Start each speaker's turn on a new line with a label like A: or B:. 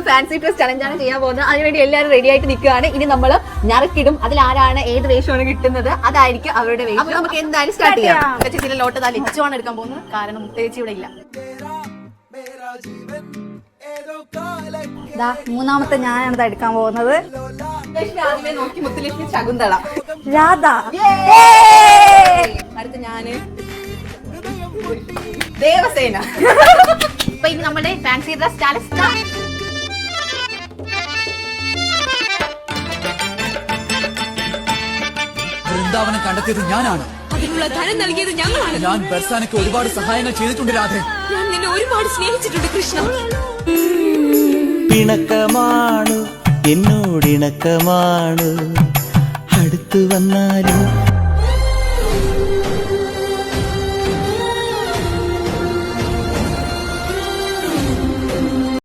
A: Fancy dress ചലഞ്ചാണ് ചെയ്യാൻ പോകുന്നത്. അതിനുവേണ്ടി എല്ലാവരും റെഡി ആയിട്ട് നിൽക്കുകയാണ്. ഇനി നമ്മൾ ഞറക്കിടും. അതിൽ ആരാണ് ഏത് വേഷമാണ് കിട്ടുന്നത് അതായിരിക്കും അവരുടെ വേഷം. അപ്പൊ നമുക്ക് എന്തായാലും സ്റ്റാർട്ട് ചെയ്യാം. ചേച്ചിയുടെ ലോട്ട് താ ലിച്ചുവാണ് എടുക്കാൻ പോകുന്നത്. കാരണം മുത്തേച്ചി ഇവിടെ ഇല്ല.
B: മൂന്നാമത്തെ ഞാനാണ് എടുക്കാൻ പോകുന്നത്.
A: ആദ്യമേ നോക്കി മുത്തുലക്ഷ്മി ശകുന്തള.
B: രാധ.
A: അടുത്ത് ഞാന് ദേവസേന. അപ്പൊ ഇനി നമ്മുടെ ഫാൻസി ഡ്രസ് ചാലഞ്ച്
C: വൃന്ദാവനം കണ്ടെത്തിയത് ഞാനാണ്.
D: അതിനുള്ള ധനം നൽകിയത് ഞങ്ങളാണ്.
C: ഞാൻ ബർസാനയ്ക്ക് ഒരുപാട് സഹായങ്ങൾ ചെയ്തിട്ടുണ്ട് രാധേ.
D: ഞാൻ നിന്നെ ഒരുപാട് സ്നേഹിച്ചിട്ടുണ്ട് കൃഷ്ണ.
E: പിണക്കമാണ് എന്നോടിണക്കമാണ്, അടുത്തു വന്നാലും